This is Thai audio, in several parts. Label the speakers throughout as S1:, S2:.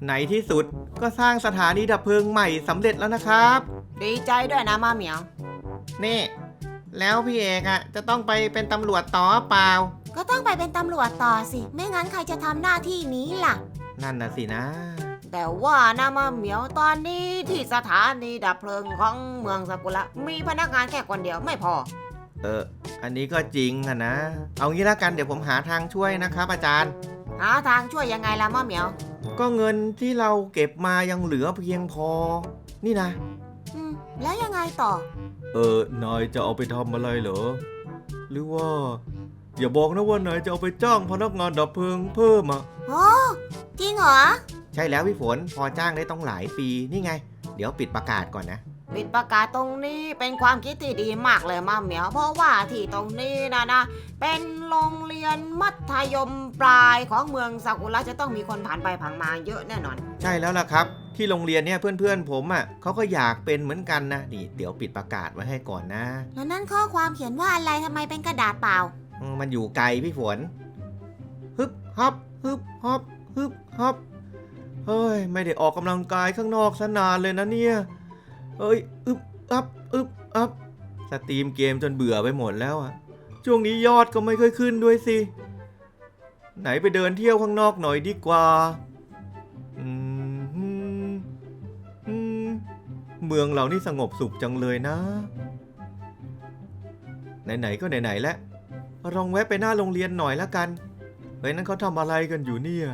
S1: ในที่สุดก็สร้างสถานีดับเพลิงใหม่สำเร็จแล้วนะครับ
S2: ดีใจด้วยนะมาเหมียว
S1: นี่แล้วพี่เอกอะจะต้องไปเป็นตำรวจต่อเปล่า
S2: ก็ต้องไปเป็นตำรวจต่อสิไม่งั้นใครจะทำหน้าที่นี้ล่ะ
S1: นั่นน่ะสินะ
S2: แต่ว่านะมาเหมียวตอนนี้ที่สถานีดับเพลิงของเมืองซากุระมีพนักงานแค่คนเดียวไม่พอ
S1: อันนี้ก็จริงอะนะเอางี้ละกันเดี๋ยวผมหาทางช่วยนะครับอาจารย์
S2: หาทางช่วยยังไงล่ะมาเหมียว
S1: ก็เงินที่เราเก็บมายังเหลือเพียงพอนี่นะ
S2: แล้วยังไงต่
S1: อนายจะเอาไปทำอะไรเหรอหรือว่าอย่าบอกนะว่านายจะเอาไปจ้างพนักงานดับเพลิงเพิ่มอ่ะ
S2: โอ้จริงเหรอ
S1: ใช่แล้วพี่ฝนพอจ้างได้ต้องหลายปีนี่ไงเดี๋ยวปิดประกาศก่อนนะ
S2: ปิดประกาศตรงนี้เป็นความคิดที่ดีมากเลยมาเหมียวเพราะว่าที่ตรงนี้นะเป็นโรงเรียนมัธยมปลายของเมืองซากุระจะต้องมีคนผ่านไปผ่านมาเยอะแน่นอน
S1: ใช่แล้วล่ะครับที่โรงเรียนเนี่ยเพื่อนๆผมอ่ะเขาก็อยากเป็นเหมือนกันนะนี่เดี๋ยวปิดประกาศไว้ให้ก่อนนะ
S2: แล้วนั่นข้อความเขียนว่าอะไรทำไมเป็นกระดาษเปล่า
S1: มันอยู่ไกลพี่ฝนฮึบฮับฮึบฮับฮึบฮับเฮ้ยไม่ได้ออกกำลังกายข้างนอกซะนานเลยนะเนี่ยเอ้ยอึบอับอึบอับสตรีมเกมจนเบื่อไปหมดแล้วอะช่วงนี้ยอดก็ไม่ค่อยขึ้นด้วยสิไหนไปเดินเที่ยวข้างนอกหน่อยดีกว่าเมืองเรานี่สงบสุขจังเลยนะไหนๆก็ไหนๆแล้วลองแวะไปหน้าโรงเรียนหน่อยละกันเฮ้ยนั่นเขาทำอะไรกันอยู่เนี่ย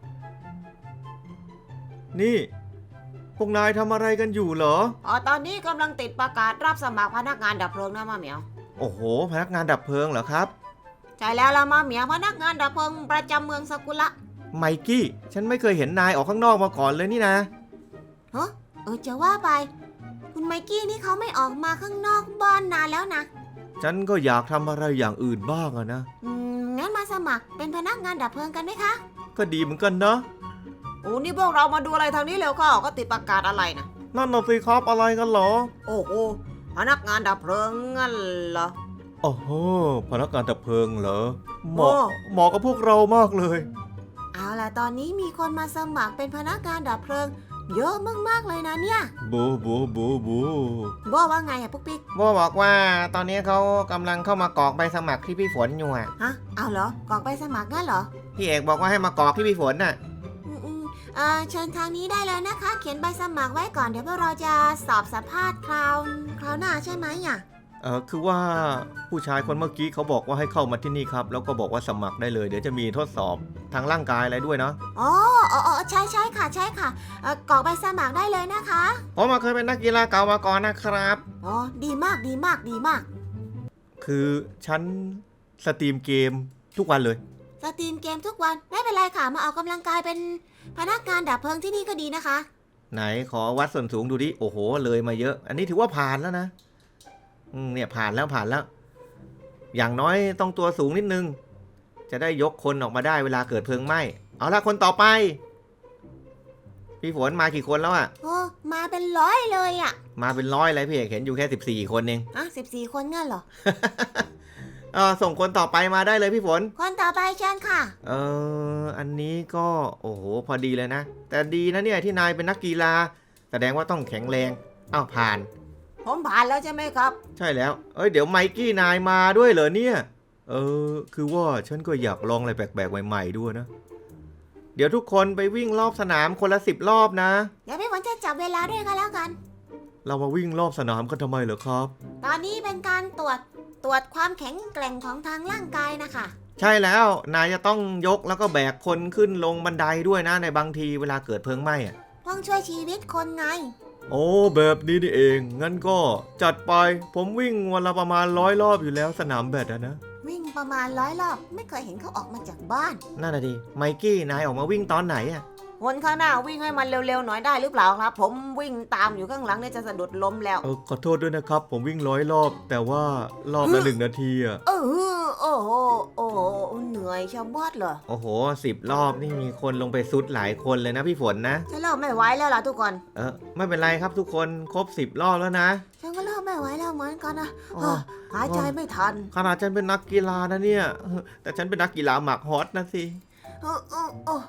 S1: นี่พวกนายทำอะไรกันอยู่เหรอ
S2: ตอนนี้กำลังติดประกาศรับสมัครพนักงานดับเพลิงนะมาเหมียว
S1: โอ้โหพนักงานดับเพลิงเหรอครับ
S2: ใช่แล้วล่ะมาเหมียวพนักงานดับเพลิงประจำเมืองซากุระ
S1: ไมกี้ฉันไม่เคยเห็นนายออกข้างนอกมาก่อนเลยนี่นะ
S2: จะว่าไปคุณไมกี้นี่เขาไม่ออกมาข้างนอกบ้านนานแล้วนะ
S1: ฉันก็อยากทำอะไรอย่างอื่นบ้างอะนะ
S2: งั้นมาสมัครเป็นพนักงานดับเพลิงกันไหมคะ
S1: ก็ดีเหมือนกันนะ
S2: โอ้นี่พวกเรามาดูอะไรทางนี้เร็วเข้าก็ติดประกาศอะไรนะ
S1: นั่นน่ะสิครับอะไรกันเหรอ
S2: โอ้โหพนักงานดับเพลิงงั้นเหรอ
S1: โอ้โหพนักงานดับเพลิงเหรอเหมาะกับพวกเรามากเลย
S2: เอาล่ะตอนนี้มีคนมาสมัครเป็นพนักงานดับเพลิงเยอะมากๆเลยนะเนี่ย
S1: บู
S2: ว่าไงอะปุ๊กปิ๊ก
S1: โบบอกว่าตอนนี้เขากำลังเข้ามากรอกใบสมัครที่พี่ฝนอยู่อะ
S2: ฮะเอาเหรอกรอกใบสมัครงั้นเหรอ
S1: พี่เอกบอกว่าให้มากรอกที่พี่ฝนน่ะ
S2: เชิญทางนี้ได้เลยนะคะเขียนใบสมัครไว้ก่อนเดี๋ยวพวกเราจะสอบสัมภาษณ์คราวหน้าใช่ไหมอ่ะ
S1: คือว่าผู้ชายคนเมื่อกี้เขาบอกว่าให้เข้ามาที่นี่ครับแล้วก็บอกว่าสมัครได้เลยเดี๋ยวจะมีทดสอบทางร่างกายอะไรด้วยเนาะ
S2: อ๋อใช่ค่ะใช่ค่ะกรอกใบสมัครได้เลยนะคะ
S1: ผมเคยเป็นนักกีฬาเก่ามาก่อนนะครับ
S2: อ๋อดีมาก
S1: คือฉันสตรีมเกมทุกวันเลย
S2: สตรีมเกมทุกวันไม่เป็นไรค่ะมาออกกำลังกายเป็นพนักงานดับเพลิงที่นี่ก็ดีนะคะ
S1: ไหนขอวัดส่วนสูงดูดิโอ้โหเลยมาเยอะอันนี้ถือว่าผ่านแล้วนะเนี่ยผ่านแล้วอย่างน้อยต้องตัวสูงนิดนึงจะได้ยกคนออกมาได้เวลาเกิดเพลิงไหม้เอาละคนต่อไปพี่ฝนมากี่คนแล้วอ่ะ
S2: มาเป็นร้อยเลยอ่ะ
S1: มาเป็นร้อยเลยพี่เอกเห็นอยู่แค่14คนเอง
S2: 14คนงั้นเหรอ
S1: ส่งคนต่อไปมาได้เลยพี่ฝน
S2: คนต่อไปเชิญค่ะ
S1: อันนี้ก็โอ้โหพอดีเลยนะแต่ดีนะเนี่ยที่นายเป็นนักกีฬาแสดงว่าต้องแข็งแรงผ่าน
S2: ผมผ่านแล้วใช่ไหมครับ
S1: ใช่แล้วเดี๋ยวไมกี้นายมาด้วยเหรอเนี่ยคือว่าฉันก็อยากลองอะไรแปลกๆใหม่ๆด้วยนะเดี๋ยวทุกคนไปวิ่งรอบสนามคนละ10 รอบนะ
S2: เดี๋ยวพี่ฝนจะจับเวลาด้วยกันแล้วกัน
S1: เรามาวิ่งรอบสนามกันทำไมเหรอครับ
S2: ตอนนี้เป็นการตรวจความแข็งแกร่งของทางร่างกายนะคะ
S1: ใช่แล้วนายจะต้องยกแล้วก็แบกคนขึ้นลงบันไดด้วยนะในบางทีเวลาเกิดเพลิงไหม้
S2: ต้องช่วยชีวิตคนไง
S1: โอ้แบบนี้นี่เองงั้นก็จัดไปผมวิ่งวันละประมาณ100 รอบอยู่แล้วสนามแบดนะ
S2: วิ่งประมาณ100 รอบไม่เคยเห็นเขาออกมาจากบ้าน
S1: นั่นน่ะดิไมกี้นายออกมาวิ่งตอนไหนอะ
S2: คนข้างหน้าวิ่งให้มันเร็วๆหน่อยได้หรือเปล่าครับผมวิ่งตามอยู่ข้างหลังเนี่ยจะสะดุดล้มแล้ว
S1: ขอโทษด้วยนะครับผมวิ่ง100 รอบแต่ว่ารอบละ1 นาทีอะ
S2: โอ้โหเหนื่อยชะมัดเลย
S1: โอ้โห10 รอบนี่มีคนลงไปซุดหลายคนเลยนะพี่ฝนนะ
S2: ฉันเริ่มไม่ไหวแล้วล่ะทุกคน
S1: ไม่เป็นไรครับทุกคนครบ10 รอบแล้วนะ
S2: ฉันก็เริ่มไม่ไหวแล้วเหมือนกันนะหายใจไม่ทัน
S1: ขนาดฉันเป็นนักกีฬานะเนี่ยแต่ฉันเป็นนักกีฬาหมากฮอตนะสิ
S2: โอ้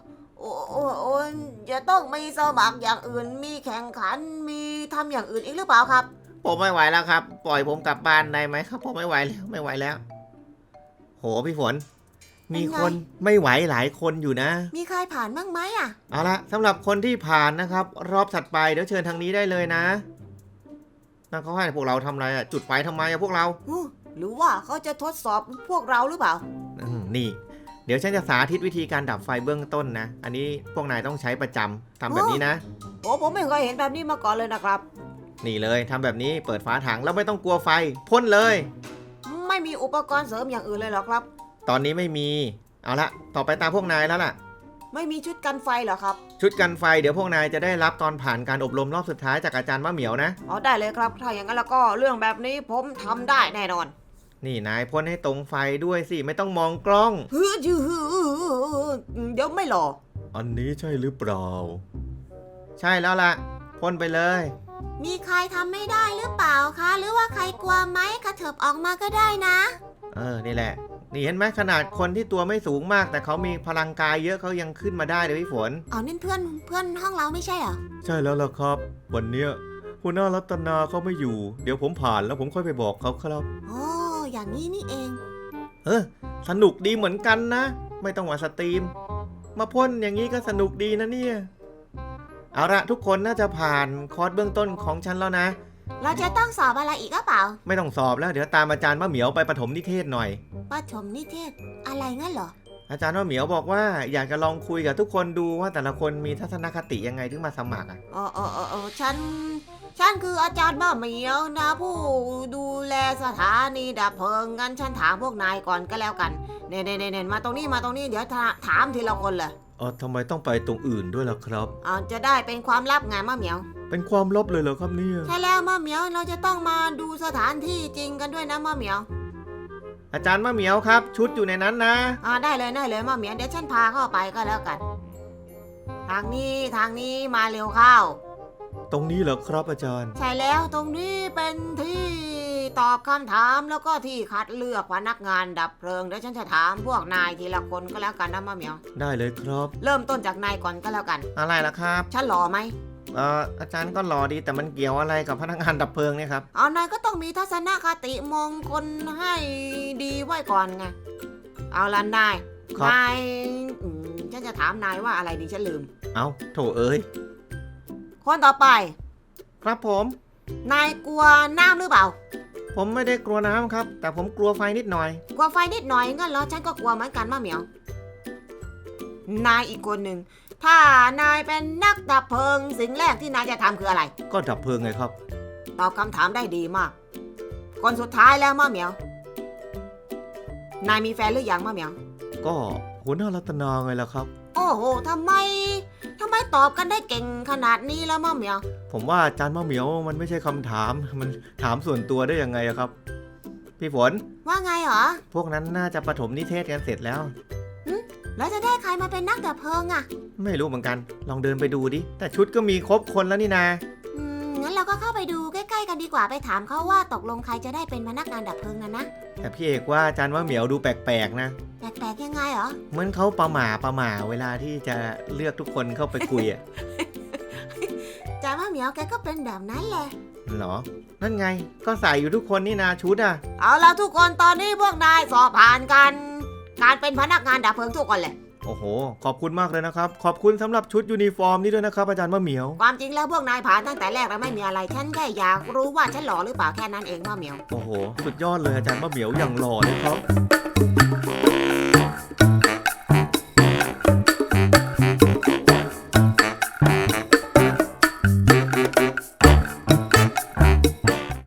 S2: โอ้จะต้องมีสมัครอย่างอื่นมีแข่งขันมีทำอย่างอื่นอีกหรือเปล่าครับ
S1: ผมไม่ไหวแล้วครับ ปล่อยผมกลับบ้านได้ไหมครับผมไม่ไหวแล้วไม่ไหวแล้ว โหพี่ฝน มีคนไม่ไหวหลายคนอยู่นะ
S2: มีใครผ่านบ้างไหมอ่ะ
S1: เอาละสำหรับคนที่ผ่านนะครับ รอบถัดไปเดี๋ยวเชิญทางนี้ได้เลยนะนั่นเขาให้พวกเราทำอะไรอะจุดไฟทำไมอะพวกเรา
S2: หรือว่าเขาจะทดสอบพวกเราหรือเปล่า
S1: นี่ เดี๋ยวฉันจะสาธิตวิธีการดับไฟเบื้องต้นนะ อันนี้พวกนายต้องใช้ประจำทำแบบนี้นะ
S2: โอ้ผมไม่เคยเห็นแบบนี้มาก่อนเลยนะครับ
S1: นี่เลยทำแบบนี้เปิดฝาถังแล้วไม่ต้องกลัวไฟพ่นเลย
S2: ไม่มีอุปกรณ์เสริมอย่างอื่นเลยเหรอครับ
S1: ตอนนี้ไม่มี เอาละต่อไปตามพวกนายแล้วล่ะ
S2: ไม่มีชุดกันไฟเหรอครับ
S1: ชุดกันไฟเดี๋ยวพวกนายจะได้รับตอนผ่านการอบรมรอบสุดท้ายจากอาจารย์มะเหมียวนะ
S2: อ๋อได้เลยครับ ถ้าอย่างนั้นแล้วก็เรื่องแบบนี้ผมทำได้แน่นอน
S1: นี่นายพ่นให้ตรงไฟด้วยสิไม่ต้องมองกล้อง
S2: เดี๋ยวไม่หล่อ
S1: อันนี้ใช่หรือเปล่า ใช่แล้วล่ะพ่นไปเลย
S2: มีใครทำไม่ได้หรือเปล่าคะ หรือว่าใครกลัวไหมกระเถิบออกมาก็ได้นะ
S1: นี่แหละ นี่เห็นไหมขนาดคนที่ตัวไม่สูงมาก แต่เขามีพลังกายเยอะเขายังขึ้นมาได้เลยพี่ฝน
S2: เอานั่นเพื่อนห้องเราไม่ใช่เหรอ
S1: ใช่แล้วล่ะครับ วันเนี้ยหัวหน้ารัตนาเขาไม่อยู่ เดี๋ยวผมผ่านแล้วผมค่อยไปบอกเขาครับ
S2: โอ้อย่างนี้นี่เอง
S1: สนุกดีเหมือนกันนะ ไม่ต้องมาสตรีม มาพ่นอย่างนี้ก็สนุกดีนะเนี่ย เอาละทุกคนน่าจะผ่านคอร์สเบื้องต้นของฉันแล้วนะ
S2: เราจะต้องสอบอะไรอีกหรือเปล่า
S1: ไม่ต้องสอบแล้วเดี๋ยวตามอาจารย์มะเหมียวไปประถมนิเทศหน่อย
S2: ประถมนิเทศอะไรงั้นเหรอ
S1: อาจารย์มะเหมียวบอกว่าอยากจะลองคุยกับทุกคนดูว่าแต่ละคนมีทัศนคติยังไงถึงมาสมัครอ่ะ
S2: ฉันคืออาจารย์มะเหมียวนะผู้ดูแลสถานีดับเพลิงงั้นฉันถามพวกนายก่อนก็แล้วกันเน่มาตรงนี้เดี๋ยวถามทีละคนเลย
S1: ทำไมต้องไปตรงอื่นด้วยล่ะครับ
S2: จะได้เป็นความลับไงมะเหมียว
S1: เป็นความลับเลยเหรอครับเนี่ย
S2: ใช่แล้วมะเหมียวเราจะต้องมาดูสถานที่จริงกันด้วยนะมะเหมียว
S1: อาจารย์มะเหมียวครับ ชุดอยู่ในนั้นนะ
S2: ได้เลยมะเหมียวเดี๋ยวฉันพาเข้าไปก็แล้วกัน ทางนี้มาเร็วเข้า
S1: ตรงนี้เหรอครับอาจารย์
S2: ใช่แล้วตรงนี้เป็นที่ตอบคำถามแล้วก็ที่คัดเลือกพนักงานดับเพลิงเดี๋ยวฉันจะถามพวกนายทีละคนก็แล้วกันนะมะเหมียว
S1: ได้เลยครับ
S2: เริ่มต้นจากนายก่อนก็แล้วกัน
S1: อะไรล่ะครับ
S2: ฉันหล่อไหม
S1: อาจารย์ก็หล่อดีแต่มันเกี่ยวอะไรกับพนักงานดับเพลิงเนี่ยครับ
S2: นายก็ต้องมีทัศนคติมองคนให้ดีไว้ก่อนไงเอาละนาย
S1: ครับ
S2: นายฉันจะถามนายว่าอะไรดีฉันลืม
S1: เอาโถเอ้ย
S2: คนต่อไป
S1: ครับผม
S2: นายกลัวน้ำหรือเปล่า
S1: ผมไม่ได้กลัวน้ำครับ แต่ผมกลัวไฟนิดหน่อย
S2: กลัวไฟนิดหน่อยงั้นเหรอฉันก็กลัวเหมือนกันมะเหมียว นายอีกคนหนึ่งถ้านายเป็นนักดับเพลิงสิ่งแรกที่นายจะทำคืออะไร
S1: ก็ดับเพลิงไงครับ
S2: ตอบคำถามได้ดีมาก คนสุดท้ายแล้วมะเหมียว นายมีแฟนหรือยังมะเหมียว
S1: ก็หัวหน้ารัตนาไงล่ะครับ
S2: โอ้โหทำไมตอบกันได้เก่งขนาดนี้แล้วมะเหมียว
S1: ผมว่าอาจารย์มะเหมียวมันไม่ใช่คำถาม มันถามส่วนตัวได้ยังไงอะครับ พี่ฝน
S2: ว่าไงเหรอ
S1: พวกนั้นน่าจะประถมนิเทศกันเสร็จแล้ว
S2: แล้วจะได้ใครมาเป็นนักดับเพลิงอะ
S1: ไม่รู้เหมือนกัน ลองเดินไปดูดิ แต่ชุดก็มีครบคนแล้วนี่นา
S2: งั้นเราก็เข้าไปดูใกล้ๆกันดีกว่าไปถามเขาว่าตกลงใครจะได้เป็นพนักงานดับเพลิงนะ
S1: แต่พี่เอกว่าอาจารย์มะเหมียวดูแปลกๆนะ
S2: แปลกๆยังไงเหรอ
S1: เหมือนเขาประหม่าเวลาที่จะเลือกทุกคนเข้าไปคุยอะ
S2: จ่ามะเหมียวแกก็เป็นแบบนั้นแหละ
S1: เหรอ นั่นไง ก็ใส่อยู่ทุกคนนี่นาชุดอะ
S2: เอาล่ะทุกคนตอนนี้พวกนายสอบผ่านกันการเป็นพนักงานดับเพลิงทุกคนเลย
S1: โอ้โห ขอบคุณมากเลยนะครับ ขอบคุณสำหรับชุดยูนิฟอร์มนี่ด้วยนะครับอาจารย์มะเหมียว
S2: ความจริงแล้วพวกนายผ่านตั้งแต่แรกแล้วไม่มีอะไรฉันแค่อยากรู้ว่าฉันหล่อหรือเปล่าแค่นั้นเองมะเหมียว
S1: โอ้โห สุดยอดเลยอาจารย์มะเหมียวอย่างหล่อเลยครับ